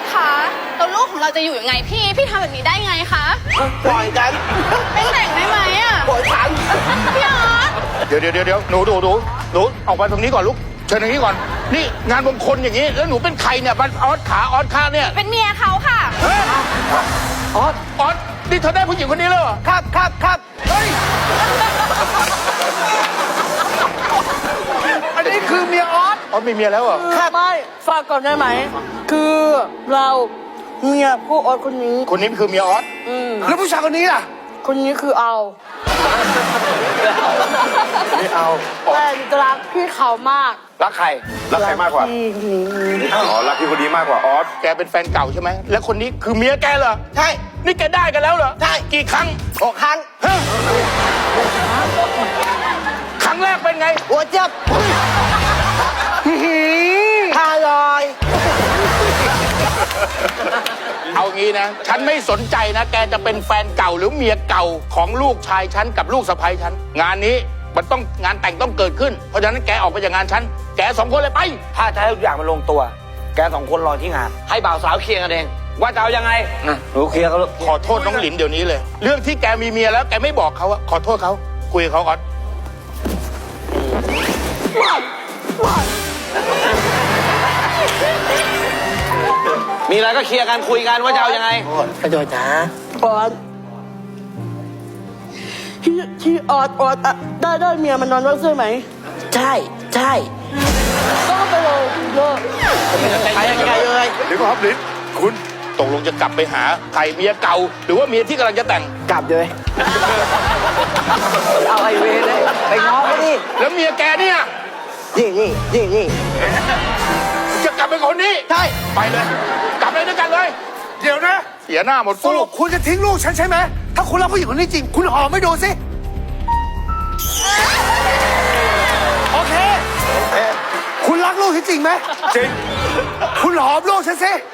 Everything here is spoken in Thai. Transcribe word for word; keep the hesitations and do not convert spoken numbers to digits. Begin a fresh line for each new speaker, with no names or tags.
สคะแล้วลูกของเราจะอยู่ยังไงพี่พี่ทำแบบนี้ได้ไงคะ
ปล่อยกัน
ไม่แต่งได้ไหมอ่ะ
ปล่อยฉัน
พี่ออส
เดี๋ยวเดี๋ยวเดี๋ยวหนูดูดูหนูออกมาตรงนี้ก่อนลูกเชิญตรงนี้ก่อนนี่งานมงคลอย่างนี้แล้วหนูเป็นใครเนี่ยมันออสขาออสขาเนี่ย
เป็นเมียเขาค่ะ
เฮ้ย
ออส
ออสนี่เธอได้ผู้หญิงคนนี้แล้วเหรอ
ครับครับครับ
เฮ้ย
อันนี้คือเมียออส
ออสมีเมียแล้วเหรอ
ไม่ฝากก่อนได้ไหม คือเราเมียผู้ออดคนนี้
คนนี้คือเมียออส
อืม
แล้วผู้ชายคนนี้ล่ะ
คนนี้คือเอา
ไม่เอา
แต่หนูจะรักพี่เขามาก
รักใคร รักใครมากกว่า
พี่คนนี้
อ๋อ รักพี่คนนี้มากกว่าออส
แกเป็นแฟนเก่าใช่ไหมแล้วคนนี้คือเมียแกเหรอ
ใช่
นี่แกได้กันแล้วเหรอ
ใช่
กี่ครั้ง
หกครั้ง
ฮะครั้งแรกเป็นไง
หัวเจ็บห้าร้อย
เอางี้นะ ฉันไม่สนใจนะ แกจะเป็นแฟนเก่าหรือเมียเก่าของลูกชายฉันกับลูกสะใภ้ฉัน งานนี้มันต้องงานแต่งต้องเกิดขึ้น เพราะฉะนั้นแกออกไปจากงานฉัน แกสองคนเลยไป
ถ้าจะให้ทุกอย่างมันลงตัว แกสองคนรอที่งาน ให้บ่าวสาวเคลียร์กันเอง ว่าจะเอายังไงหนูเคลียร์เขาลูก
ขอโทษน้องหลินเดี๋ยวนี้เลย เรื่องที่แกมีเมียแล้วแกไม่บอกเขาอะขอโทษเขาคุยกับเขาก่อน
มีอะไรก็เคลียร์กันคุยกันว่าจะเอายังไง
กระโดดนะ
ออดที่ที่ออดออดอะได้ได้เมียมันนอนด้วยใช่ไหม
ใช่ใช่
ก็ไปเลยเลิก
ไปไกลเลย
เดี๋ยวก่อนครับหลินคุณตกลงจะกลับไปหาใครเมียเก่า หรือว่าเมียที่กำลังจะแต่ง
กลับเลย เอาไอเวเลยไปง้อเขาดิ
แล้วเมียแกเนี่ย
นี่นี่นี่นี่
จะกลับไปคนนี้
ใช่
ไปเลย กลับเลยด้วยกันเลย
เดี๋ยวนะ
เสียหน้าหมด
สรุปคุณจะทิ้งลูกฉันใช่ไหม ถ้าคุณรักผู้หญิงคนนี้จริง คุณหอมไม่ดูสิ โอเค คุณรักลูกฉันจริงไหม
จริง
คุณหอมลูกฉันสิ